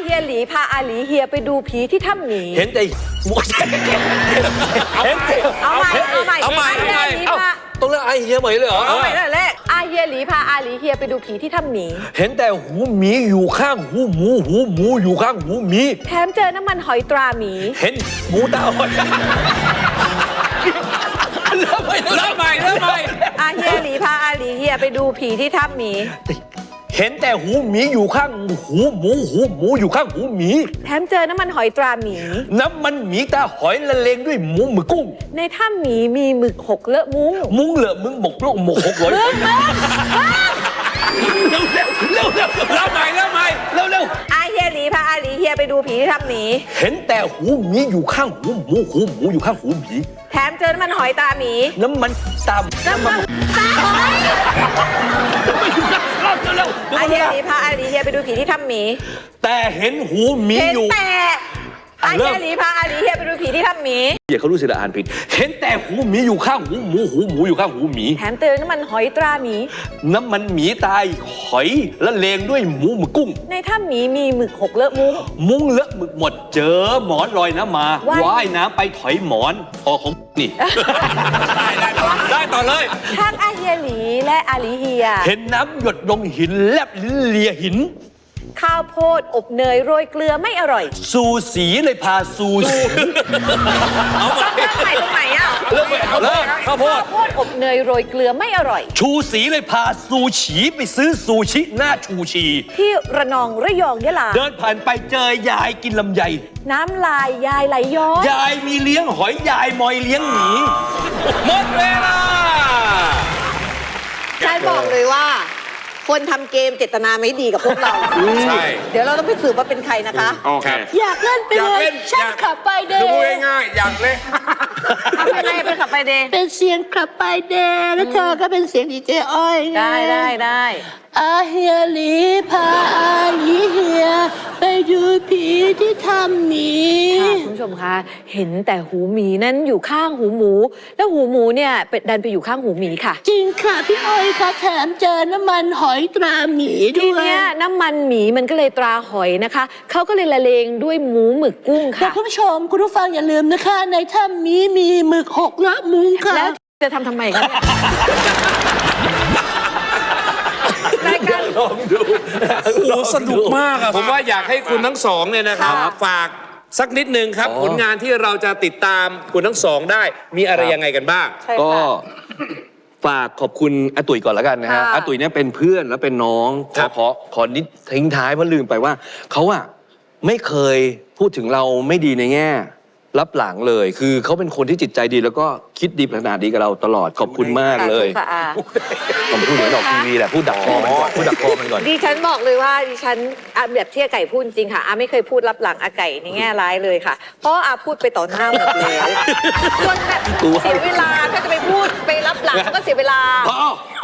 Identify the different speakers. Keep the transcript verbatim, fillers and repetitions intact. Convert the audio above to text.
Speaker 1: ฮียหลีพาอาหลีเฮียไปดูผีที่ถ้ำหมี
Speaker 2: เห็นแต่หมวกเห็นแต่
Speaker 1: เอาใหม่เอาใหม่
Speaker 3: เอาใหม่
Speaker 1: อาเฮียหลีพา
Speaker 2: ต้องเรียกไอเฮียใหม่เลยเหรอ
Speaker 1: เอาใหม่เลยแรกอาเฮียหลีพาอาหลีเฮียไปดูผีที่ถ้ำหมี
Speaker 2: เห็นแต่หูหมีอยู่ข้างหูหมูหูหมูอยู่ข้างหูหมี
Speaker 1: แถมเจอน้ำมันหอยตราหมี
Speaker 2: เห็นหมูตาหอยเริ่มใหม่
Speaker 3: เริ่มใหม่เริ่มใหม่
Speaker 1: อาเฮียหลีพาอาหลีเฮียไปดูผีที่ถ้ำหมี
Speaker 2: เห็นแต่หูหมีอยู่ข้างหูหมูหูหมูอยู่ข้างหูหมี
Speaker 1: แถมเจอน้ำมันหอยตราหมี
Speaker 2: น้ำมันหมีตาหอยละเลงด้วยหมูหมึกกุ้ง
Speaker 1: ในถ้ำหมีมีหมึกหกเลอะมุ้ง
Speaker 2: มุ้งเหลือมึงหมกโลกหมกหกร้อยเร็วเร็วเร็วเร็วเร็ว
Speaker 3: เริ่มใหม่เริ่มใหม่
Speaker 2: เร็วเร็ว
Speaker 1: อาเฮียหลีพาอาหลีเฮียไปดูผีที่ถ้ำหมี
Speaker 2: เห็นแต่หูหมีอยู่ข้างหูหมูหูหมูอยู่ข้างหูหมี
Speaker 1: แถมเจอน้ำมันหอยตราหมี
Speaker 2: น้ำมันตาม
Speaker 1: น้ำมันตาหอย
Speaker 2: เร็วเร็ว
Speaker 1: อาเฮียหลีพาอาหลีเฮียไปดูผีที่ถ้ำหมี
Speaker 2: แต่เห็นหูหมี
Speaker 1: เห็น
Speaker 2: อยู่
Speaker 1: แต่อาเฮียหลีพาอาหลีเฮียไปดูผีที่ถ้ำหมี
Speaker 2: เดี๋ยวเขารู้สึกอ่านผิดเห็นแต่หูหมีอยู่ข้างหูหมูหูหมูอยู่ข้างหูหมี
Speaker 1: แถมเจอน้ำมันหอยตราหมี
Speaker 2: น้ำมันหมีตายหอยละเลงด้วยหมูหมึกกุ้ง
Speaker 1: ในถ้ำหมีมีหมึกหกเลอะมุ้ง
Speaker 2: มุ้งเลอะหมึกหมดเจอหมอนลอยน้ำมา
Speaker 1: ว่าย
Speaker 2: ว่ายน้ำไปถอยหมอนออกของนี่
Speaker 3: ได้ได้ต่อได้ต่อเลย
Speaker 1: ทั้งอาเฮียหลีและอาหลีเฮีย
Speaker 2: เห็นน้ำหยดลงหินแลบลิ้นเลียหิน
Speaker 1: ข้าวโพดอบเนยโรยเกลือไม่อร่อย
Speaker 2: ซูสีเลยพาซูสี
Speaker 3: เอาใหม่
Speaker 1: ต้องเริ่มใหม่ตรงไหนอ่ะ
Speaker 2: เริ่มใหม่
Speaker 3: เริ่มข้าวโพด
Speaker 1: ข้าวโพดอบเนยโรยเกลือไม่อร่อย
Speaker 2: ชูสีเลยพาซูฉีไปซื้อซูชิหน้าชูชี
Speaker 1: ที่ระนองระยองยะลา
Speaker 2: เดินผ่านไปเจอยายกินลำไย
Speaker 1: น้ำลายยายไหลย้อน
Speaker 2: ยายมีเลี้ยงหอยยายมอยเลี้ยงหมี
Speaker 3: หมดเวลา
Speaker 1: ฉันบอกเลยว่า คนทำเกมเจตนาไม่ดีกับพวกเรา
Speaker 3: ใช่
Speaker 1: เดี๋ยวเราต้องไปสืบว่าเป็นใครนะคะ
Speaker 3: โอเค
Speaker 1: อยากเล่นไป
Speaker 3: อยาก
Speaker 1: เลย
Speaker 3: เล่น
Speaker 1: ฉันขับไปเด
Speaker 3: ดู
Speaker 1: ย์
Speaker 3: ง่ายๆอยากเล่น
Speaker 1: ทำไปเลยเป็นขับไปเดย์
Speaker 4: เป็นเสียงขับไปเดย์แล้วเธอก็เป็นเสียงดีเจอ้อยไง
Speaker 1: ได้ได้ได้
Speaker 4: อาเฮียหลีพาอาหลีเฮีย ไปดูผีที่ทำหมี
Speaker 1: ค่ะคุณผู้ชมคะเห็นแต่หูหมีนั้นอยู่ข้างหูหมู แล้วหูหมูเนี่ยเป็ดดันไปอยู่ข้างหูหมีค่ะ
Speaker 4: จริงค่ะพี่อ้อยค่ะแถมเจอน้ำมันหอยตราหมี
Speaker 1: ที
Speaker 4: ด้วย
Speaker 1: เนี้ยน้ำมันหมีมันก็เลยตราหอยนะคะเขาก็เลยละเลงด้วยหมูหมึกกุ้ง
Speaker 4: แต่
Speaker 1: ค่ะ
Speaker 4: คุณผู้ชมคุณผู้ฟังอย่าลืมนะคะ ในถ้ำหมีมีหมึกหกละมุงค่ะ
Speaker 1: แล้วจะทำทำไมคะเนี่ยรายการ
Speaker 2: ลองดู
Speaker 3: โอ้โหสนุกมากอะผมว่าอยากให้คุณทั้งสองเนี่ยนะครับ
Speaker 1: ค่ะ
Speaker 3: ฝากสักนิดนึงครับ
Speaker 2: อ๋อ
Speaker 3: ผลงานที่เราจะติดตามคุณทั้งสองได้ มีอะไรยังไงกันบ้าง
Speaker 1: ใช่
Speaker 2: ก็
Speaker 1: ค่ะ
Speaker 2: ฝากขอบคุณอาตุ๋ยก่อนแล้วกันนะฮะ
Speaker 1: ค่ะ
Speaker 2: อาตุ๋ยเนี่ยเป็นเพื่อนและเป็นน้องข
Speaker 3: ครั
Speaker 2: อบ ขอขอนิดทิ้งท้ายเพราะลืมไปว่าเขาอะไม่เคยพูดถึงเราไม่ดีในแง่รับหลังเลย คือเขาเป็นคนที่จิตใจดีแล้วก็คิดดีขนาดดีกับเราตลอดขอบคุณมากเลย
Speaker 1: ค่ะอา
Speaker 2: ผมพูดเหมือนดอกทีวีแหละพูดดักคอมันก่อนพูดดักคอมันก่อน
Speaker 1: ดิฉันบอกเลยว่าดิฉันอ่ะแบบที่อาไก่พูดจริงค่ะอาไม่เคยพูดรับหลังอาไก่ในแง่ร้ายเลยค่ะ เพราะอาพูดไปต่อหน้าหมดแล้วจนแบบ
Speaker 2: กลัว
Speaker 1: เสียเวลาถ้าจะไปพูดไปรับหลังก็เสียเวลา
Speaker 2: พอ